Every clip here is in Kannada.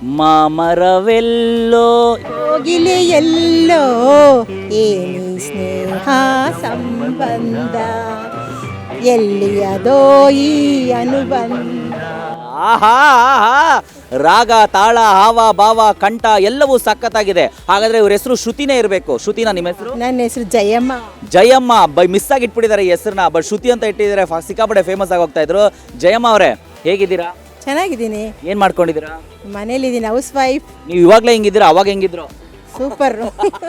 ಮಾಮರವೆಲ್ಲೋ ಹೋಗಿಲೆ ಎಲ್ಲೋ ಏನಿ ಸ್ನೇಹ ಸಂಬಂಧ ಎಲ್ಲಿಯದೋ ಈ ಅನುಬಂಧ. ಆಹಾ ಆಹಾ. ರಾಗ ತಾಳ ಹಾವ ಭಾವ ಕಂಠ ಎಲ್ಲವೂ ಸಖತ್ತಾಗಿದೆ. ಹಾಗಾದ್ರೆ ಇವ್ರ ಹೆಸರು ಶ್ರುತಿನೇ ಇರಬೇಕು. ಶ್ರುತಿನಾ ನಿಮ್ಮ ಹೆಸರು? ನನ್ನ ಹೆಸರು ಜಯಮ್ಮ. ಜಯಮ್ಮ ಮಿಸ್ ಆಗಿ ಇಟ್ಬಿಟ್ಟಿದ್ದಾರೆ ಈ ಹೆಸರನ್ನ. ಬಟ್ ಶ್ರುತಿ ಅಂತ ಇಟ್ಟಿದ್ದಾರೆ, ಸಿಕ್ಕಾಪಟ್ಟೆ ಫೇಮಸ್ ಆಗಿ ಹೋಗ್ತಾ ಇದ್ರು. ಜಯಮ್ಮ ಅವರೇ ಹೇಗಿದ್ದೀರಾ? ಚೆನ್ನಾಗಿದ್ದೀನಿ. ಏನ್ ಮಾಡ್ಕೊಂಡಿದ್ದೀರಾ? ಮನೇಲಿದ್ದೀನಿ, ಹೌಸ್ ವೈಫ್. ನೀವು ಇವಾಗ್ಲೇ ಹೆಂಗಿದ್ದೀರಾ, ಅವಾಗ ಹೆಂಗಿದ್ರು? ಸೂಪರ್.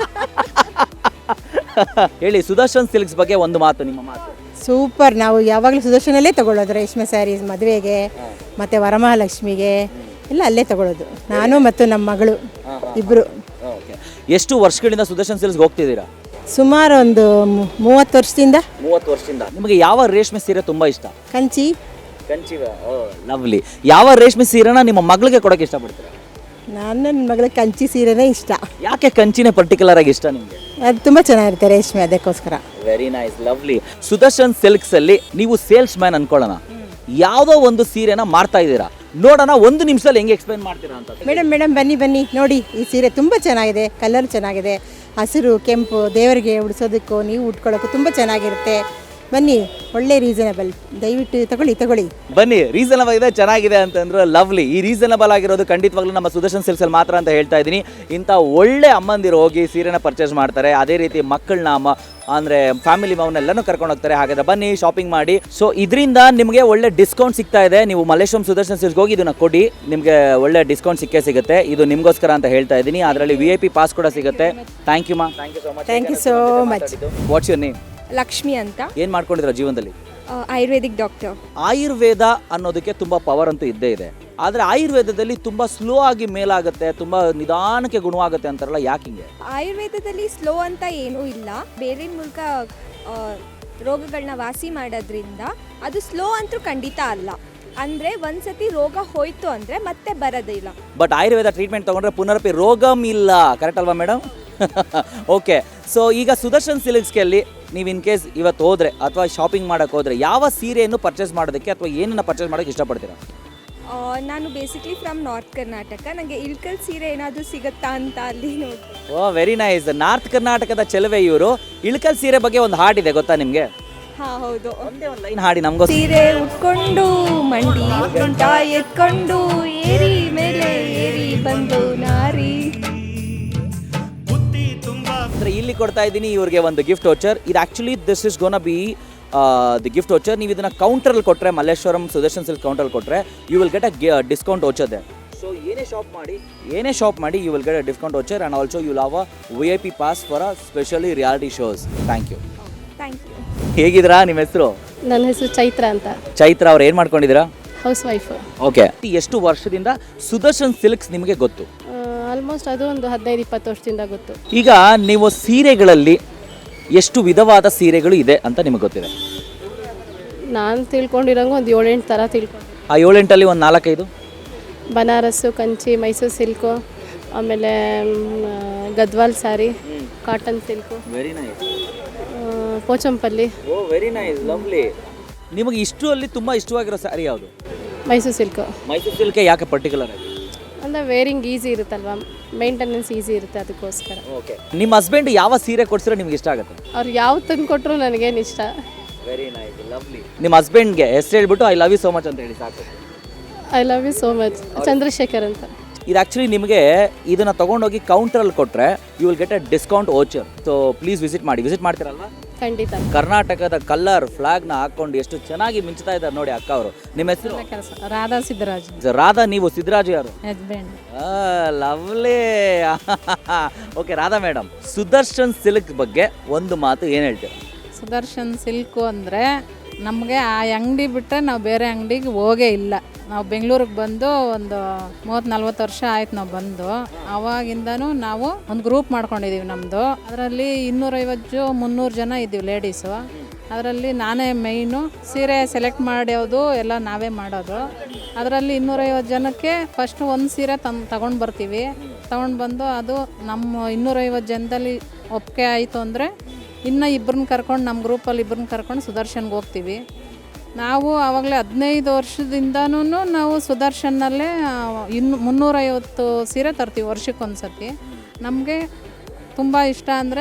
ಹೇಳಿ, ಸುದರ್ಶನ್ ಸಿಲ್ಕ್ಸ್ ಬಗ್ಗೆ ಒಂದು ಮಾತು, ನಿಮ್ಮ ಮಾತು. ಸೂಪರ್. ನಾವು ಯಾವಾಗಲೂ ಸುದರ್ಶನಲ್ಲೇ ತಗೊಳ್ಳೋದು. ರೇಷ್ಮೆ ಸ್ಯಾರೀಸ್ ಮದುವೆಗೆ ಮತ್ತು ವರಮಹಾಲಕ್ಷ್ಮಿಗೆ ಎಲ್ಲ ಅಲ್ಲೇ ತಗೊಳ್ಳೋದು. ನಾನು ಮತ್ತು ನಮ್ಮ ಮಗಳು ಇಬ್ಬರು. ಎಷ್ಟು ವರ್ಷಗಳಿಂದ ಸುದರ್ಶನ್ ಸಿಲ್ಕ್ಸ್ ಹೋಗ್ತಿದ್ದೀರಾ? ಸುಮಾರು ಒಂದು 30 ವರ್ಷದಿಂದ. 30 ವರ್ಷದಿಂದ. ನಿಮಗೆ ಯಾವ ರೇಷ್ಮೆ ಸೀರೆ ತುಂಬಾ ಇಷ್ಟ? ಕಂಚಿ. ಲವ್ಲಿ. ಯಾವ ರೇಷ್ಮೆ ಸೀರೆನ ನಿಮ್ಮ ಮಗಳಿಗೆ ಕೊಡೋಕೆ ಇಷ್ಟಪಡ್ತೀರಾ? ನನ್ನ ಮಗಳ ಕಂಚಿ ಸೀರೆನೇ ಇಷ್ಟ. ಯಾಕೆ ಕಂಚಿನೇ ಪರ್ಟಿಕ್ಯುಲರ್ ಆಗಿ ಇಷ್ಟ ನಿಮಗೆ? ಅದು ತುಂಬ ಚೆನ್ನಾಗಿರುತ್ತೆ ರೇಷ್ಮೆ, ಅದಕ್ಕೋಸ್ಕರ. Very nice, lovely. Sudarshan silks ಅಲ್ಲಿ ನೀವು ಸೇಲ್ಸ್ ಮ್ಯಾನ್ ಅನ್ಕೊಳ್ಳೋಣ, ಯಾವುದೋ ಒಂದು ಸೀರೆನ ಮಾರ್ತಾ ಇದ್ದೀರಾ, ನೋಡೋಣ ಒಂದು ನಿಮಿಷದಲ್ಲಿ ಹೆಂಗೆ ಎಕ್ಸ್ಪ್ಲೈನ್ ಮಾಡ್ತೀರಾ ಅಂತ. ಮೇಡಮ್ ಬನ್ನಿ ನೋಡಿ, ಈ ಸೀರೆ ತುಂಬ ಚೆನ್ನಾಗಿದೆ, ಕಲರ್ ಚೆನ್ನಾಗಿದೆ, ಹಸಿರು ಕೆಂಪು, ದೇವರಿಗೆ ಉಡಿಸೋದಕ್ಕೂ ನೀವು ಉಟ್ಕೊಳ್ಳೋಕ್ಕೂ ತುಂಬ ಚೆನ್ನಾಗಿರುತ್ತೆ. ಬನ್ನಿ, ಒಳ್ಳೆ ರೀಸನಬಲ್, ದಯವಿಟ್ಟು ತಗೊಳ್ಳಿ. ಬನ್ನಿ, ರೀಸನಬಲ್ ಇದೆ, ಚೆನ್ನಾಗಿದೆ ಅಂತಂದ್ರೆ ಲವ್ಲಿ. ಈ ರೀಸನಬಲ್ ಆಗಿರೋದು ಖಂಡಿತವಾಗ್ಲೂ ನಮ್ಮ ಸುದರ್ಶನ್ ಸಿಲ್ಕ್ಸ್ ಅಲ್ಲಿ ಮಾತ್ರ ಅಂತ ಹೇಳ್ತಾ ಇದ್ದೀನಿ. ಇಂಥ ಒಳ್ಳೆ ಅಮ್ಮಂದಿರು ಹೋಗಿ ಸೀರೆನ ಪರ್ಚೇಸ್ ಮಾಡ್ತಾರೆ. ಅದೇ ರೀತಿ ಮಕ್ಕಳನ್ನ ಅಂದರೆ ಫ್ಯಾಮಿಲಿ ಮೌನೆಲ್ಲನೂ ಕರ್ಕೊಂಡು ಹೋಗ್ತಾರೆ. ಹಾಗಾದ್ರೆ ಬನ್ನಿ, ಶಾಪಿಂಗ್ ಮಾಡಿ. ಸೊ ಇದರಿಂದ ನಿಮಗೆ ಒಳ್ಳೆ ಡಿಸ್ಕೌಂಟ್ ಸಿಗ್ತಾ ಇದೆ. ನೀವು ಮಲ್ಲೇಶ್ವರಂ ಸುದರ್ಶನ್ ಸಿಲ್ಕ್ಸ್ ಹೋಗಿ ಇದನ್ನ ಕೊಡಿ, ನಿಮಗೆ ಒಳ್ಳೆ ಡಿಸ್ಕೌಂಟ್ ಸಿಗುತ್ತೆ. ಇದು ನಿಮಗೋಸ್ಕರ ಅಂತ ಹೇಳ್ತಾ ಇದ್ದೀನಿ. ಅದರಲ್ಲಿ VIP ಪಾಸ್ ಕೂಡ ಸಿಗುತ್ತೆ. ಥ್ಯಾಂಕ್ ಯು ಮಾ. Thank you so much. What's your name? Lakshmi ಅಂತ. ಏನು ಮಾಡ್ಕೊಂಡಿದ್ದೀರಾ ಜೀವನದಲ್ಲಿ? ಆಯುರ್ವೇದಿಕ್ ಡಾಕ್ಟರ್. ಆಯುರ್ವೇದ ಅನ್ನೋದಕ್ಕೆ ತುಂಬ ಪವರ್ ಅಂತೂ ಇದ್ದೇ ಇದೆ. ಆದರೆ ಆಯುರ್ವೇದದಲ್ಲಿ ತುಂಬ ಸ್ಲೋ ಆಗಿ ಮೇಲಾಗುತ್ತೆ, ತುಂಬ ನಿಧಾನಕ್ಕೆ ಗುಣವಾಗುತ್ತೆ ಅಂತಾರಲ್ಲ, ಯಾಕಿಂಗೆ? ಆಯುರ್ವೇದದಲ್ಲಿ ಸ್ಲೋ ಅಂತ ಏನೂ ಇಲ್ಲ. ಬೇರೆ ಮೂಲಕ ರೋಗಗಳನ್ನ ವಾಸಿ ಮಾಡೋದ್ರಿಂದ ಅದು ಸ್ಲೋ ಅಂತೂ ಖಂಡಿತ ಅಲ್ಲ. ಅಂದರೆ ಒಂದ್ಸತಿ ರೋಗ ಹೋಯ್ತು ಅಂದರೆ ಮತ್ತೆ ಬರೋದಿಲ್ಲ. ಬಟ್ ಆಯುರ್ವೇದ ಟ್ರೀಟ್ಮೆಂಟ್ ತೊಗೊಂಡ್ರೆ ಪುನರಪಿ ರೋಗಮ್ ಇಲ್ಲ, ಕರೆಕ್ಟ್ ಅಲ್ವಾ ಮೇಡಮ್? ಓಕೆ. ಸೊ ಈಗ ಸುದರ್ಶನ್ ಸಿಲ್ಕ್ಸ್ಗೆ ನೀವು ಇನ್ ಕೇಸ್ ಇವತ್ತು ಹೋದರೆ ಅಥವಾ ಶಾಪಿಂಗ್ ಮಾಡೋಕ್ಕೆ ಹೋದರೆ ಯಾವ ಸೀರೆಯನ್ನು ಪರ್ಚೇಸ್ ಮಾಡೋದಕ್ಕೆ ಅಥವಾ ಏನನ್ನು ಪರ್ಚೇಸ್ ಮಾಡೋಕ್ಕೆ ಇಷ್ಟಪಡ್ತೀರಾ? ನಾನು ಬೇಸಿಕ್ಲಿ ಫ್ರಮ್ ನಾರ್ತ್ ಕರ್ನಾಟಕ. ನನಗೆ ಇಳ್ಕಲ್ ಸೀರೆ ಏನಾದರೂ ಸಿಗುತ್ತಾ ಅಂತ ಅಲ್ಲಿ ನೋಡಿ. ಓ ವೆರಿ ನೈಸ್. ನಾರ್ತ್ ಕರ್ನಾಟಕದ ಚೆಲುವೆ ಇವರು. ಇಳ್ಕಲ್ ಸೀರೆ ಬಗ್ಗೆ ಒಂದು ಹಾಡಿದೆ, ಗೊತ್ತಾ ನಿಮಗೆ? ಹಾಂ ಹೌದು. ಒಂದೇ ಒಂದು ಲೈನ್ ಹಾಡಿ ನಮಗೂ. ಸೀರೆ ಉಟ್ಕೊಂಡು ಮಂಡಿ ಗಂಟ ಎತ್ಕೊಂಡು ಏರಿ ಮೇಲೆ ಏರಿ ಬಂದು ನಾರಿ. ಅಂದರೆ ಇಲ್ಲಿ ಕೊಡ್ತಾ ಇದ್ದೀನಿ ಇವ್ರಿಗೆ ಒಂದು ಗಿಫ್ಟ್ ವೋಚರ್. ಇದು actually this is gonna be the gift voucher. ನೀವು ಇದನ್ನು ಕೌಂಟ್ರಲ್ಲಿ ಕೊಟ್ಟರೆ, ಮಲ್ಲೇಶ್ವರಂ ಸುದರ್ಶನ್ ಸಿಲ್ಕ್ ಕೌಂಟ್ರಲ್ಲಿ ಕೊಟ್ಟರೆ you will get a discount voucher ದೆ. ಸೊ ಏನೇ ಶಾಪ್ ಮಾಡಿ you will get a discount voucher and also you have a VIP pass for a specially reality shows. Thank you. ಹೇಗಿದ್ದೀರಾ? ನಿಮ್ಮ ಹೆಸರು? ನನ್ನ ಹೆಸರು ಚೈತ್ರ ಅಂತ. ಚೈತ್ರ ಅವ್ರು ಏನು ಮಾಡ್ಕೊಂಡಿದ್ದೀರಾ? House wife. ಓಕೆ. ಎಷ್ಟು ವರ್ಷದಿಂದ ಸುದರ್ಶನ್ ಸಿಲ್ಕ್ಸ್ ನಿಮಗೆ ಗೊತ್ತು? ಆಲ್ಮೋಸ್ಟ್ ಅದು ಒಂದು 15-20 ವರ್ಷದಿಂದ ಗೊತ್ತು. ಈಗ ನೀವು ಸೀರೆಗಳಲ್ಲಿ ಎಷ್ಟು ವಿಧವಾದ ಸೀರೆಗಳು ಇದೆ ಅಂತ ನಿಮಗೆ ಗೊತ್ತಿದೆ? ನಾನು ತಿಳ್ಕೊಂಡಿರೋಂಗೆ ಒಂದು 7-8 ಥರ ತಿಳ್ಕೊಂಡು. ಆ 7-8ಅಲ್ಲಿ ಒಂದು 4-5 ಬನಾರಸ್ಸು, ಕಂಚಿ, ಮೈಸೂರು ಸಿಲ್ಕು, ಆಮೇಲೆ Gadwal sari, cotton silk, very nice, Pochampalli. Oh very nice, lovely. ನಿಮಗೆ ಇಷ್ಟರಲ್ಲಿ ತುಂಬ ಇಷ್ಟವಾಗಿರೋ ಸ್ಯಾರಿ ಯಾವುದು? ಮೈಸೂರು ಸಿಲ್ಕು. ಮೈಸೂರು ಸಿಲ್ಕೆ ಯಾಕೆ ಪರ್ಟಿಕ್ಯುಲರ್ ಆಗಿ? ಅಂದರೆ ವೇರಿಂಗ್ ಈಸಿ ಇರುತ್ತಲ್ವ, ಮೇಂಟೆನೆನ್ಸ್ ಈಸಿ ಇರುತ್ತೆ, ಅದಕ್ಕೋಸ್ಕರ. ಓಕೆ. ನಿಮ್ಮ ಹಸ್ಬೆಂಡ್ ಯಾವ ಸೀರೆ ಕೊಡ್ಸಿರೋ ನಿಮ್ಗೆ ಇಷ್ಟ ಆಗುತ್ತೆ? ಅವ್ರು ಯಾವ ತಂದು ಕೊಟ್ಟರು ನನಗೇನು ಇಷ್ಟ. Very nice, lovely. ನಿಮ್ಮ ಹಸ್ಬೆಂಡ್ಗೆ ಹೆಸರು ಹೇಳ್ಬಿಟ್ಟು I love you so much ಅಂತ ಹೇಳಿ ಸಾಕು. I love you so much. Chandrashekhar ಅಂತ. ಇದು ಆ್ಯಕ್ಚುಲಿ ನಿಮಗೆ ಇದನ್ನು ತೊಗೊಂಡೋಗಿ ಕೌಂಟ್ರಲ್ಲಿ ಕೊಟ್ಟರೆ you will get a discount voucher. So please visit ಮಾಡ್ತೀರಲ್ವ? ಖಂಡಿತ. ಕರ್ನಾಟಕದ ಕಲರ್ ಫ್ಲಾಗ್ನ ಹಾಕೊಂಡು ಎಷ್ಟು ಚೆನ್ನಾಗಿ ಮಿಂಚ್ತಾ ಇದ್ದಾರೆ ನೋಡಿ ಅಕ್ಕ ಅವರು. ನಿಮ್ಮ ಹೆಸರು? ರಾಧಾ ಸಿದ್ದರಾಜ್. ರಾಧಾ, ನೀವು ಸಿದ್ದರಾಜು ಯಾರು? Husband. Lovely. Okay Radha madam, Sudarshan silk ಬಗ್ಗೆ ಒಂದು ಮಾತು ಏನು ಹೇಳ್ತೀರಾ? ಸುದರ್ಶನ್ ಸಿಲ್ಕು ಅಂದರೆ ನಮಗೆ ಆ ಅಂಗಡಿ ಬಿಟ್ಟರೆ ನಾವು ಬೇರೆ ಅಂಗಡಿಗೆ ಹೋಗೇ ಇಲ್ಲ. ನಾವು ಬೆಂಗಳೂರಿಗೆ ಬಂದು ಒಂದು 30-40 ವರ್ಷ ಆಯ್ತು ನಾವು ಬಂದು. ಆವಾಗಿಂದನೂ ನಾವು ಒಂದು ಗ್ರೂಪ್ ಮಾಡ್ಕೊಂಡಿದ್ದೀವಿ ನಮ್ಮದು. ಅದರಲ್ಲಿ 250-300 ಜನ ಇದ್ದೀವಿ ಲೇಡೀಸು. ಅದರಲ್ಲಿ ನಾನೇ ಮೈನು. ಸೀರೆ ಸೆಲೆಕ್ಟ್ ಮಾಡೋದು ಎಲ್ಲ ನಾವೇ ಮಾಡೋದು. ಅದರಲ್ಲಿ 250 ಜನಕ್ಕೆ ಫಸ್ಟು ಒಂದು ಸೀರೆ ತಗೊಂಡು ಬರ್ತೀವಿ. ತಗೊಂಡು ಬಂದು ಅದು ನಮ್ಮ 250 ಜನದಲ್ಲಿ ಒಪ್ಪಿಗೆ ಆಯಿತು ಅಂದರೆ ಇನ್ನು ಇಬ್ಬರನ್ನ ಕರ್ಕೊಂಡು, ನಮ್ಮ ಗ್ರೂಪಲ್ಲಿ ಇಬ್ಬರನ್ನ ಕರ್ಕೊಂಡು ಸುದರ್ಶನ್ಗೆ ಹೋಗ್ತೀವಿ. ನಾವು ಆವಾಗಲೇ 15 ವರ್ಷದಿಂದನೂ ನಾವು ಸುದರ್ಶನ್ನಲ್ಲೇ 350 ಸೀರೆ ತರ್ತೀವಿ ವರ್ಷಕ್ಕೊಂದು ಸತಿ. ನಮಗೆ ತುಂಬ ಇಷ್ಟ ಅಂದರೆ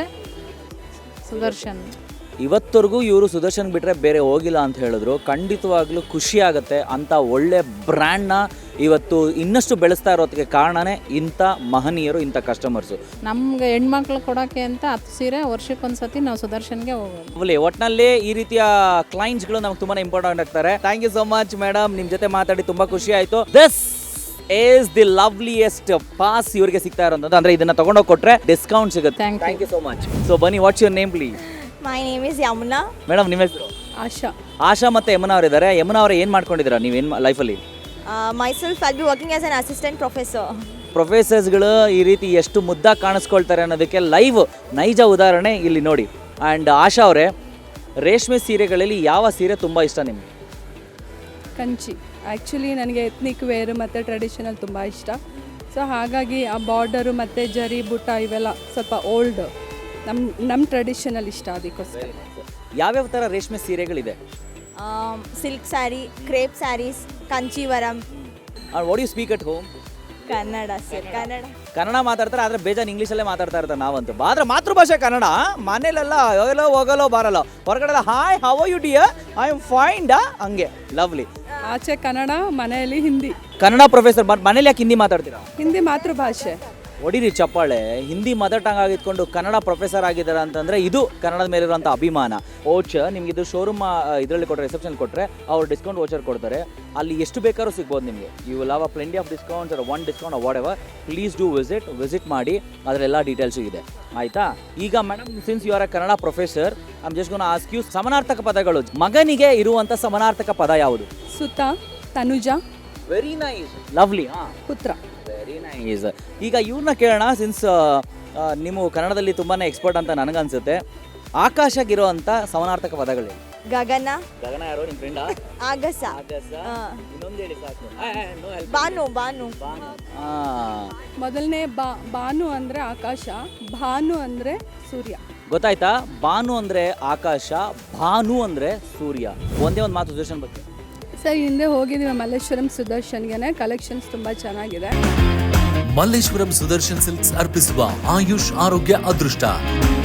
ಸುದರ್ಶನ್. ಇವತ್ತರೆಗೂ ಇವರು ಸುದರ್ಶನ್ ಬಿಟ್ಟರೆ ಬೇರೆ ಹೋಗಿಲ್ಲ ಅಂತ ಹೇಳಿದ್ರು. ಖಂಡಿತವಾಗ್ಲೂ ಖುಷಿ ಆಗುತ್ತೆ. ಅಂಥ ಒಳ್ಳೆ ಬ್ರ್ಯಾಂಡ್ನ ಇವತ್ತು ಇನ್ನಷ್ಟು ಬೆಳೆಸ್ತಾ ಇರೋದಕ್ಕೆ ಕಾರಣನೇ ಇಂಥ ಮಹನೀಯರು, ಇಂಥ ಕಸ್ಟಮರ್ಸು. ನಮಗೆ ಹೆಣ್ಮಕ್ಳು ಕೊಡೋಕ್ಕೆ ಅಂತ 10 ಸೀರೆ ವರ್ಷಕ್ಕೊಂದು ಸತಿ ನಾವು ಸುದರ್ಶನ್ಗೆ ಹೋಗೋದು. ಒಟ್ಟಿನಲ್ಲಿ ಈ ರೀತಿಯ ಕ್ಲೈಂಟ್ಸ್ಗಳು ನಮ್ಗೆ ತುಂಬಾ ಇಂಪಾರ್ಟೆಂಟ್ ಆಗ್ತಾರೆ. Thank you so much madam, ನಿಮ್ಮ ಜೊತೆ ಮಾತಾಡಿ ತುಂಬ ಖುಷಿ ಆಯಿತು. This is the loveliest pass ಇವರಿಗೆ ಸಿಗ್ತಾ ಇರೋದು. ಅಂದರೆ ಇದನ್ನು ತೊಗೊಂಡೋಗಿ ಕೊಟ್ಟರೆ ಡಿಸ್ಕೌಂಟ್ ಸಿಗುತ್ತೆ. Thank you so much. So ಬನ್ನಿ, what's your name please? My name is Yamuna. Madam ನಿಮ್ಮ ಹೆಸರು? ಆಶಾ. ಆಶಾ ಮತ್ತು ಯಮುನಾ ಅವರಿದ್ದಾರೆ. ಯಮುನಾ ಅವರು ಏನು ಮಾಡ್ಕೊಂಡಿದ್ದೀರಾ ನೀವೇನು ಲೈಫಲ್ಲಿ? Myself I'll be working as an assistant professor. ಪ್ರೊಫೆಸರ್ಸ್ಗಳು ಈ ರೀತಿ ಎಷ್ಟು ಮುದ್ದಾಗಿ ಕಾಣಿಸ್ಕೊಳ್ತಾರೆ ಅನ್ನೋದಕ್ಕೆ ಲೈವ್ ನೈಜ ಉದಾಹರಣೆ ಇಲ್ಲಿ ನೋಡಿ. ಆ್ಯಂಡ್ ಆಶಾ ಅವರೇ, ರೇಷ್ಮೆ ಸೀರೆಗಳಲ್ಲಿ ಯಾವ ಸೀರೆ ತುಂಬ ಇಷ್ಟ ನಿಮಗೆ? ಕಂಚಿ. ಆ್ಯಕ್ಚುಲಿ ನನಗೆ ಎತ್ನಿಕ್ ವೇರ್ ಮತ್ತು ಟ್ರೆಡಿಷನಲ್ ತುಂಬ ಇಷ್ಟ. ಸೊ ಹಾಗಾಗಿ ಆ ಬಾರ್ಡರು ಮತ್ತು ಜರಿ ಬುಟ್ಟ ಇವೆಲ್ಲ ಸ್ವಲ್ಪ ಓಲ್ಡ್, ನಮ್ಮ ಟ್ರೆಡಿಷನಲ್ ಇಷ್ಟ, ಅದಕ್ಕೋಸ್ಕರ. ಯಾವ್ಯಾವ ಥರ ರೇಷ್ಮೆ ಸೀರೆಗಳಿದೆ? Silk sari, crepe sarees, Kanchivaram. What you speak at home? Kannada sir, Kannada. Kannada ಮಾತಾಡ್ತಾರೆ, ಆದರೆ ಬೇಜಾನ್ ಇಂಗ್ಲೀಷಲ್ಲೇ ಮಾತಾಡ್ತಾ ಇರ್ತಾರೆ ನಾವಂತೂ. ಆದರೆ ಮಾತೃಭಾಷೆ ಕನ್ನಡ. ಮನೇಲೆಲ್ಲ ಹೋಗಲೋ ಬರಲ್ಲ, ಹೊರಗಡೆ hi how are you dear, I am fine ಡಾ, ಹಂಗೆ ಲವ್ಲಿ. ಆಚೆ ಕನ್ನಡ, ಮನೆಯಲ್ಲಿ ಹಿಂದಿ. ಕನ್ನಡ ಪ್ರೊಫೆಸರ್, ಮನೇಲಿ ಯಾಕೆ ಹಿಂದಿ ಮಾತಾಡ್ತೀರಾ? ಹಿಂದಿ ಮಾತೃಭಾಷೆ. ಹೊಡಿರಿ ಚಪ್ಪಾಳೆ. ಹಿಂದಿ ಮದರ್ ಟಂಗ್ ಆಗಿದ್ಕೊಂಡು ಕನ್ನಡ ಪ್ರೊಫೆಸರ್ ಆಗಿದ್ದಾರೆ ಅಂತಂದರೆ ಇದು ಕನ್ನಡದ ಮೇಲಿರುವಂಥ ಅಭಿಮಾನ. ಓಚರ್ ನಿಮ್ಗೆ ಇದು ಶೋರೂಮ್ ಇದರಲ್ಲಿ ಕೊಟ್ಟರೆ, ರಿಸೆಪ್ಷನ್ ಕೊಟ್ಟರೆ ಅವ್ರು ಡಿಸ್ಕೌಂಟ್ ವೋಚರ್ ಕೊಡ್ತಾರೆ. ಅಲ್ಲಿ ಎಷ್ಟು ಬೇಕಾದ್ರೂ ಸಿಗ್ಬೋದು ನಿಮಗೆ. You will have a plenty of discounts or one discount whatever. Please do visit ಮಾಡಿ, ಅದರೆಲ್ಲ ಡೀಟೇಲ್ಸು ಇದೆ, ಆಯಿತಾ? ಈಗ madam, since you are a Kannada professor, I am just gonna ask you ಸಮಾನಾರ್ಥಕ ಪದಗಳು. ಮಗನಿಗೆ ಇರುವಂಥ ಸಮಾನಾರ್ಥಕ ಪದ ಯಾವುದು? ಸುತ, ತನುಜ. Very nice, lovely. ಹಾಂ, ಪುತ್ರ. Very nice. ಈಗ ಇವ್ರನ್ನ ಕೇಳೋಣ, ಸಿನ್ಸ್ ನೀವು ಕನ್ನಡದಲ್ಲಿ ತುಂಬಾ ಎಕ್ಸ್ಪರ್ಟ್ ಅಂತ ನನಗನ್ಸುತ್ತೆ. ಆಕಾಶಗಿರುವಂಥ ಸಮಾನಾರ್ಥಕ ಪದಗಳು? ಗಗನ. ಗಗನ ಯಾರು, ನಿಮ್ಮ ಫ್ರೆಂಡಾ? ಆಗಸ. ಇನ್ನೊಂದು ಹೇಳಿ ಸಾಕು. ಬಾನು. ಬಾನು. ಮೊದಲನೇ ಬಾನು ಅಂದರೆ ಆಕಾಶ, ಭಾನು ಅಂದರೆ ಸೂರ್ಯ. ಗೊತ್ತಾಯ್ತಾ? ಬಾನು ಅಂದರೆ ಆಕಾಶ, ಭಾನು ಅಂದರೆ ಸೂರ್ಯ. ಒಂದೇ ಒಂದು ಮಾತು ಸುದರ್ಶನ್ ಬಗ್ಗೆ. ಸರ್, ಹಿಂದೆ ಹೋಗಿದ್ದೀವಿ ಮಲ್ಲೇಶ್ವರಂ ಸುದರ್ಶನ್ಗೆ. ಕಲೆಕ್ಷನ್ಸ್ ತುಂಬ ಚೆನ್ನಾಗಿದೆ. ಮಲ್ಲೇಶ್ವರಂ ಸುದರ್ಶನ್ ಸಿಲ್ಕ್ಸ್ ಅರ್ಪಿಸುವ ಆಯುಷ್ ಆರೋಗ್ಯ ಅದೃಷ್ಟ